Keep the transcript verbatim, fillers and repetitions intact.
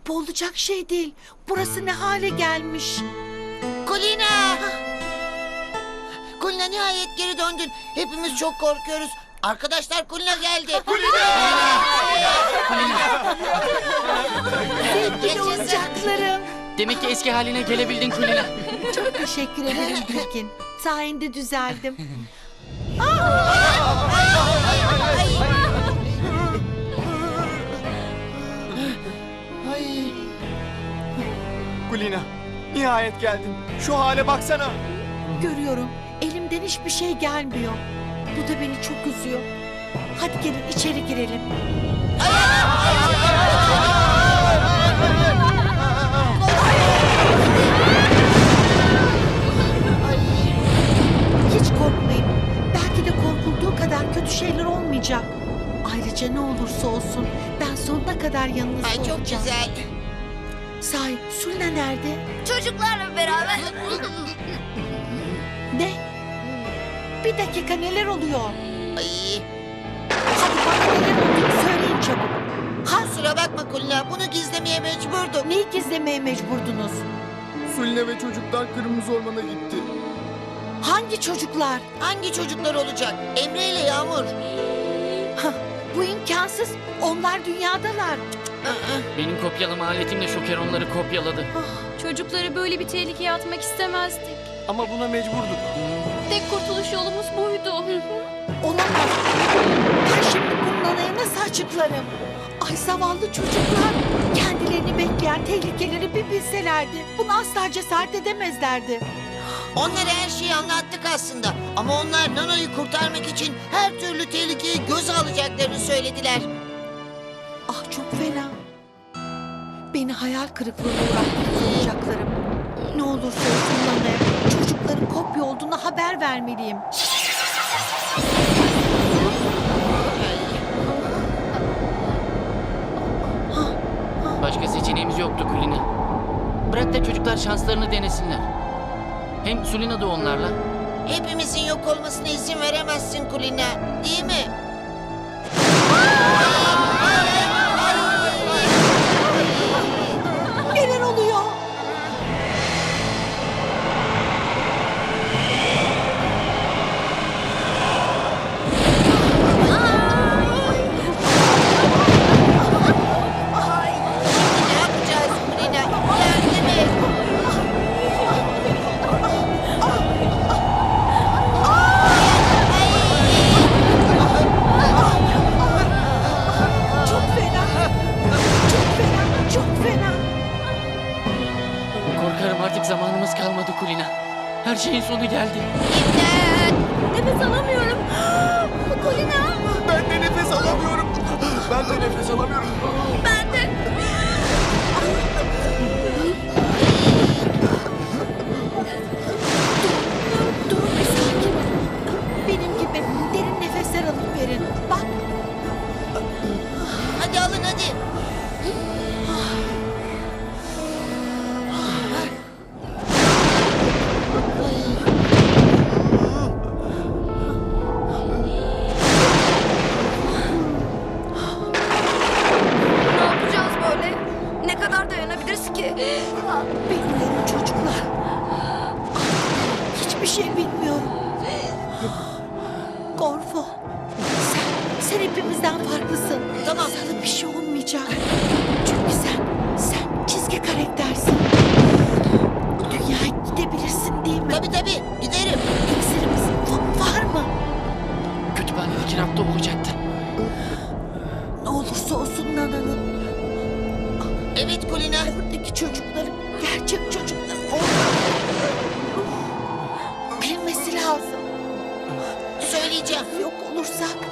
Bu olacak şey değil. Burası ne hale gelmiş. Kulina! Kulina nihayet geri döndün. Hepimiz çok korkuyoruz. Arkadaşlar Kulina geldi. Sevgili oyuncaklarım. Demek ki eski haline gelebildin Kulina. Çok teşekkür ederim Bilgin. Sayende düzeldim. Kulina, nihayet geldin. Şu hale baksana. Görüyorum. Elimden hiçbir şey gelmiyor. Bu da beni çok üzüyor. Hadi gelin içeri girelim. Hiç korkmayın. Belki de korkulduğu kadar kötü şeyler olmayacak. Ayrıca ne olursa olsun ben sonuna kadar yanınızda Ay çok olacağım. güzel. Sahi Sulina nerede? Çocuklarla beraber. Ne? Bir dakika neler oluyor? Ay, Hadi bana neler olduğunu söyleyin çabuk. Ha, kusura bakma Kulina. Bunu gizlemeye mecburdum. neyi gizlemeye mecburdunuz? Suline ve çocuklar Kırmızı Orman'a gitti. Hangi çocuklar? Hangi çocuklar olacak? Emre ile Yağmur. Hah, bu imkansız. Onlar dünyadalar. Benim kopyalama aletimle Şoker onları kopyaladı. Çocukları böyle bir tehlikeye atmak istemezdik. Ama buna mecburduk. Tek kurtuluş yolumuz buydu. Olamaz. Ben şimdi bunun anaya nasıl açıklarım? Ay zavallı çocuklar. Kendilerini bekleyen tehlikeleri bir bilselerdi. Bunu asla cesaret edemezlerdi. Onlara her şeyi anlattık aslında. Ama onlar Nana'yı kurtarmak için her türlü tehlikeyi göze alacaklarını söylediler. Ah çok fena. Beni hayal kırıklığına uğrattınız oyuncaklarım. Ne olursa olsun Nana'ya çocukların kopya olduğunu haber vermeliyim. Başka seçeneğimiz yoktu Kulina. Bırak da çocuklar şanslarını denesinler. Hem Sulina da onlarla. Hepimizin yok olmasına izin veremezsin Kulina. Değil mi? Neler oluyor? Ne yapacağız Kulina? Yardım et. Çok fena. Çok fena. Çok fena. Korkarım artık zamanımız kalmadı Kulina. Her şeyin sonu geldi. Nefes alamıyorum. Kulina. Ben de nefes alamıyorum. Ben de nefes alamıyorum. Ben de. Durun bir sakin olun. Benim gibi derin nefesler alıp verin. Bak Hadi alın hadi. Ne yapacağız böyle? Ne kadar dayanabiliriz ki? bilmiyorum çocuklar. Hiçbir şey bilmiyorum. Gorfo. Sen, sen hepimizden farklısın. Tamam. Sana bir şey olmayacak. Çünkü sen, sen çizgi karaktersin. Bu dünyaya gidebilirsin değil mi? Tabii tabii giderim. İksirimiz va- var mı? Kütüphanedeki rafta olacaktı. Ne olursa olsun Nana'nın Evet Kulina. buradaki çocukların gerçek çocuklar olmalı. Bilmesi lazım. Söyleyeceğim. Yok olursak